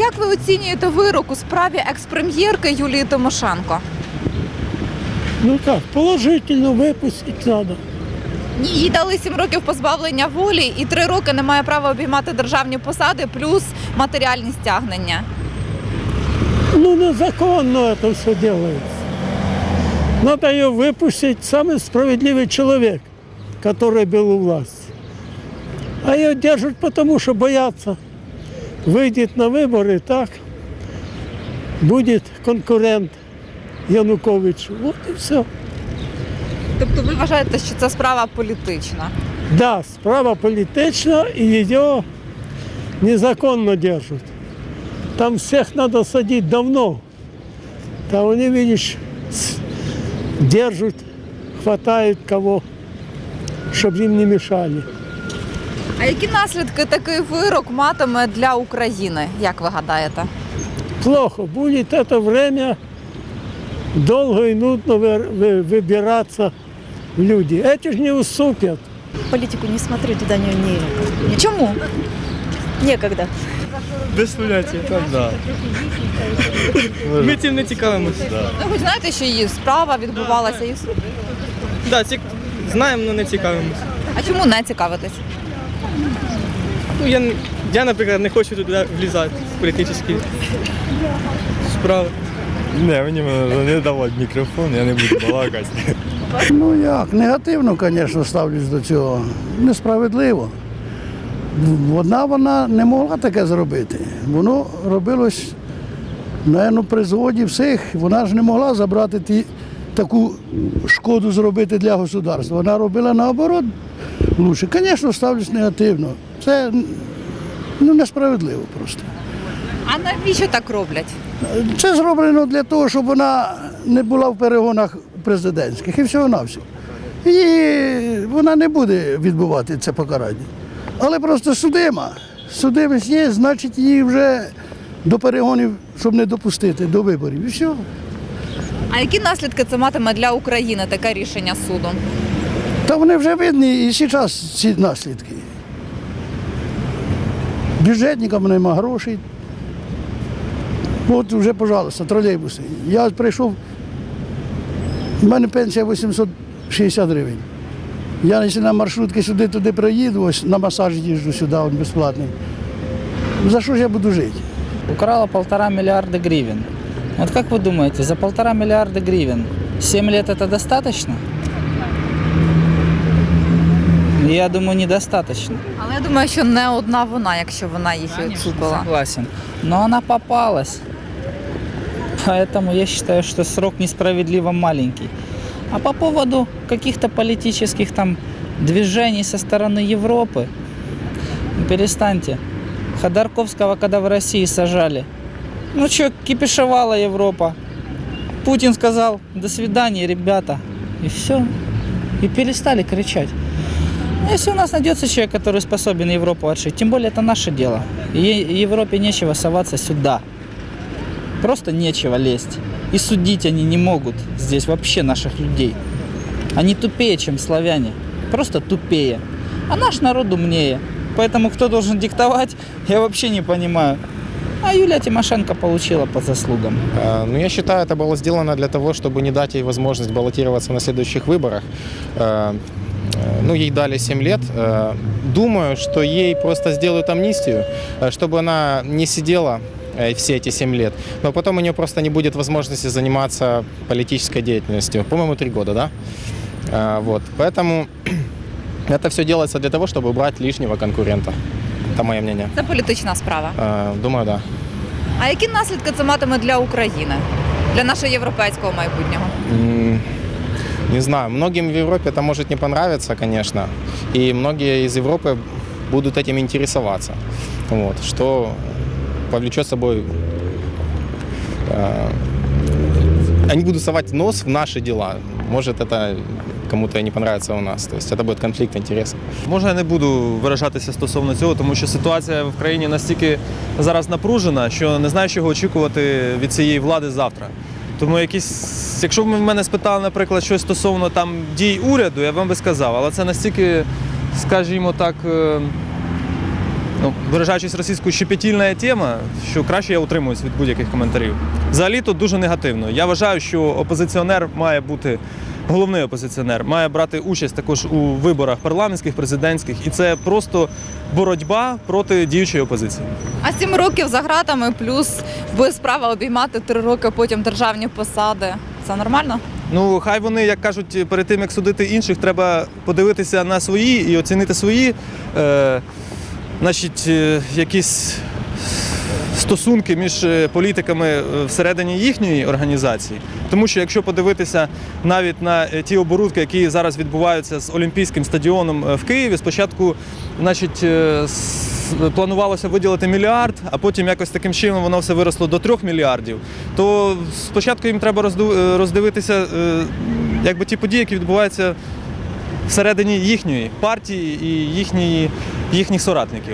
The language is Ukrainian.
Як ви оцінюєте вирок у справі екс-прем'єрки Юлії Тимошенко? Ну как, положительно выпустить надо. Ні, їй дали 7 років позбавлення волі і 3 роки не має права обіймати державні посади, плюс матеріальні стягнення. Ну незаконно это все делается. Надо ее выпустить самый справедливый человек, который был у власти. А ее держат потому, что боятся. Выйдет на выборы, так, будет конкурент Януковичу. Вот и все. Тобто ви вважаєте, що це справа політична? Да, справа політична, и ее незаконно держат. Там всех надо садить давно. Там они, видишь, держат, хватают кого, чтобы им не мешали. А які наслідки такий вирок матиме для України, як ви гадаєте? Плохо. Будет это время долго и нудно выбираться в люди. Эти же не уступят. Политику не смотрю, туда не Чому? некогда. Без поняття, так, да. Ми цим не цікавимося. Ну, ви знаєте, що її справа відбувалася і суд. Да, знаємо, але не цікавимося. А чому не цікавитесь? Ну, я, наприклад, не хочу туди влізати в політичні справи. Не, мені не давати мікрофон, я не буду балакати. Ну як, негативно, звісно, ставлюсь до цього. Несправедливо. Вона не могла таке зробити. Воно робилось, мабуть, при згоді всіх. Вона ж не могла забрати таку шкоду зробити для государства. Вона робила наоборот лучше. Звісно, ставлюсь негативно. Це несправедливо просто. А навіщо так роблять? Це зроблено для того, щоб вона не була в перегонах президентських і всього-навсього. І вона не буде відбувати це покарання. Але просто судима. Судимість є, значить її вже до перегонів, щоб не допустити, до виборів. І все. А які наслідки це матиме для України, таке рішення суду? Та вони вже видні і зараз ці наслідки. Бюджетникам нема грошей. От вже, пожалуйста, тролейбуси. Я прийшов, в мене пенсія 860 гривень. Я якщо на маршрутки сюди-туди проїду, ось на масаж їжджу сюди, він безплатний. За що ж я буду жити? Украла 1,5 миллиарда гривен. Вот как вы думаете, за 1,5 миллиарда гривен 7 лет это достаточно? Я думаю, недостаточно. Але я думаю, що не одна вона, якщо вона їх і оцупила. Согласен. Но она попалась. Поэтому я считаю, что срок несправедливо маленький. А по поводу каких-то политических там движений со стороны Европы, перестаньте. Ходорковского, когда в России сажали, ну что, кипишевала Европа. Путин сказал: до свидания, ребята. И все. И перестали кричать. Если у нас найдется человек, который способен Европу отшить, тем более это наше дело. Европе нечего соваться сюда. Просто нечего лезть. И судить они не могут здесь вообще наших людей. Они тупее, чем славяне. Просто тупее. А наш народ умнее. Поэтому кто должен диктовать, я вообще не понимаю. А Юлия Тимошенко получила по заслугам. Ну, я считаю, это было сделано для того, чтобы не дать ей возможность баллотироваться на следующих выборах. Ну, ей дали 7 лет. Думаю, что ей просто сделают амнистию, чтобы она не сидела все эти 7 лет. Но потом у нее просто не будет возможности заниматься политической деятельностью. По-моему, 3 года, да? Вот. Поэтому это все делается для того, чтобы убрать лишнего конкурента. Это мое мнение. Це політична справа. Думаю, да. А які наслідки це матиме для України, для нашого європейського майбутнього? Не знаю, многим в Европе это может не понравиться, конечно, и многие из Европы будут этим интересоваться, вот, что повлечет с собой, они будут совать нос в наши дела, может это кому-то не понравится у нас, то есть это будет конфликт интересов. Можна я не буду виражатися стосовно цього, тому що ситуація в країні настільки зараз напружена, що не знаю, чого очікувати від цієї влади завтра. Тому якщо б мене спитали, наприклад, щось стосовно там дій уряду, я б вам би сказав, але це настільки, скажімо так, ну, виражаючись російською, щепетільна тема, що краще я утримуюсь від будь-яких коментарів. Взагалі тут дуже негативно. Я вважаю, що опозиціонер має бути, головний опозиціонер, має брати участь також у виборах парламентських, президентських, і це просто боротьба проти діючої опозиції. А 7 років за ґратами, плюс без права обіймати 3 роки потім державні посади. Це нормально? Ну, хай вони, як кажуть, перед тим, як судити інших, треба подивитися на свої і оцінити свої, якісь стосунки між політиками всередині їхньої організації. Тому що якщо подивитися навіть на ті оборудки, які зараз відбуваються з Олімпійським стадіоном в Києві, спочатку, планувалося виділити $1 мільярд, а потім якось таким чином воно все виросло до 3 мільярдів, то спочатку їм треба роздивитися ті події, які відбуваються всередині їхньої партії і їхніх соратників.